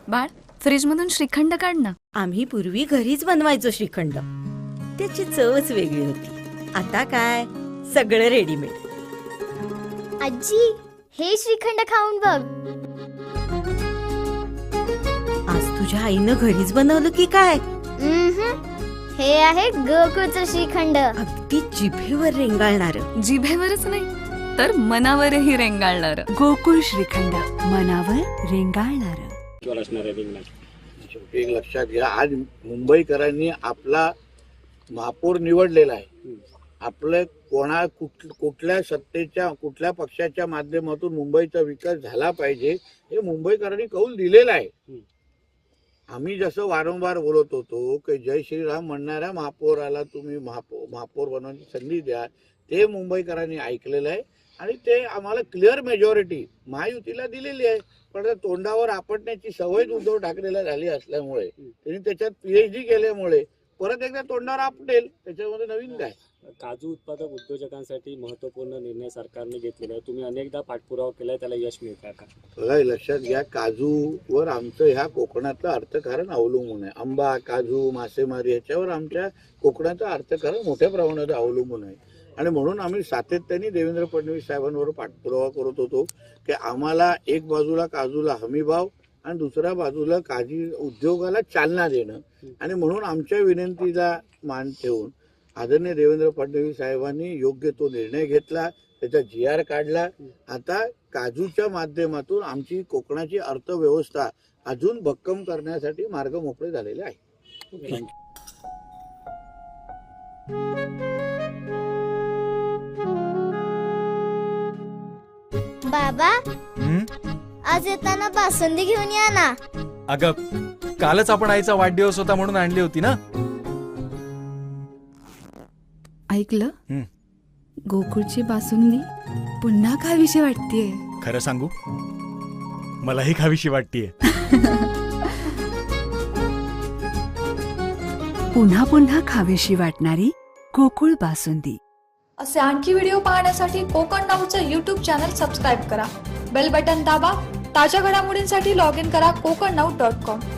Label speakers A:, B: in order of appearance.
A: बाळ, फ्रीज मधून श्रीखंड काढ ना.
B: आम्ही पूर्वी घरीच बनवायचो श्रीखंड. त्याची चवच वेगळी होती. आता काय सगळं रेडीमेड.
C: आजी, हे श्रीखंड खाऊन बघ.
B: आज तुझ्या आईनं घरीच बनवलं की काय?
C: हे आहे गोकुळचं श्रीखंड.
B: अगदी जिभेवर रेंगाळणार.
A: जिभेवरच नाही तर मनावरही रेंगाळणार.
D: गोकुळ श्रीखंड, मनावर रेंगाळणार.
E: एक लक्षात घ्या, आज मुंबईकरांनी आपला महापौर निवडलेला आहे. आपलं कुठल्या सत्तेच्या कुठल्या पक्षाच्या माध्यमातून मुंबईचा विकास झाला पाहिजे हे मुंबईकरांनी कौल दिलेला आहे. आम्ही जसं वारंवार बोलत होतो की जय श्रीराम म्हणणाऱ्या महापौराला तुम्ही महापौर बनवण्याची संधी द्या, ते मुंबईकरांनी ऐकलेलं आहे आणि ते आम्हाला क्लिअर मेजॉरिटी महायुतीला दिलेली आहे. पण तोंडावर आपटण्याची सवय उद्धव ठाकरेला झाली असल्यामुळे त्यांनी त्याच्यात PhD केल्यामुळे परत एकदा तोंडावर आपटेल. त्याच्यामध्ये नवीन काय?
F: काजू उत्पादक उद्योजकांसाठी महत्वपूर्ण निर्णय सरकारने घेतलेला आहे. तुम्ही अनेकदा पाठपुरावा केलाय, त्याला यश मिळतं का?
E: बघा, लक्षात घ्या, काजूवर आमचं ह्या कोकणातलं अर्थकारण अवलंबून आहे. आंबा, काजू, मासेमारी ह्याच्यावर आमच्या कोकणाचं अर्थकारण मोठ्या प्रमाणात अवलंबून आहे. आणि म्हणून आम्ही सातत्याने देवेंद्र फडणवीस साहेबांवर पाठपुरावा करत होतो की आम्हाला एक बाजूला काजूला हमीभाव आणि दुसऱ्या बाजूला काजू उद्योगाला चालना देणं. आणि म्हणून आमच्या विनंतीला मान ठेवून आदरणीय देवेंद्र फडणवीस साहेबांनी योग्य तो निर्णय घेतला, त्याचा GR काढला. आता काजूच्या माध्यमातून आमची कोकणाची अर्थव्यवस्था अजून भक्कम करण्यासाठी मार्ग मोकळे झालेले आहे.
C: बाबा, आज येताना बासुंदी घेऊन या ना.
G: अगं, कालच आपण आईचा वाढदिवस होता म्हणून आणली होती ना.
A: ऐकलं? गोकुळची बासुंदी पुन्हा खावीशी वाटतेय.
G: खरं सांगू, मलाही खावीशी वाटतेय.
D: पुन्हा पुन्हा खावीशी वाटणारी गोकुळ बासुंदी.
H: असे आणखी व्हिडिओ पाहण्यासाठी कोकण नाऊचं YouTube चॅनल सबस्क्राईब करा. बेल बटन दाबा. ताज्या घडामोडींसाठी लॉग इन करा kokarnaut.com.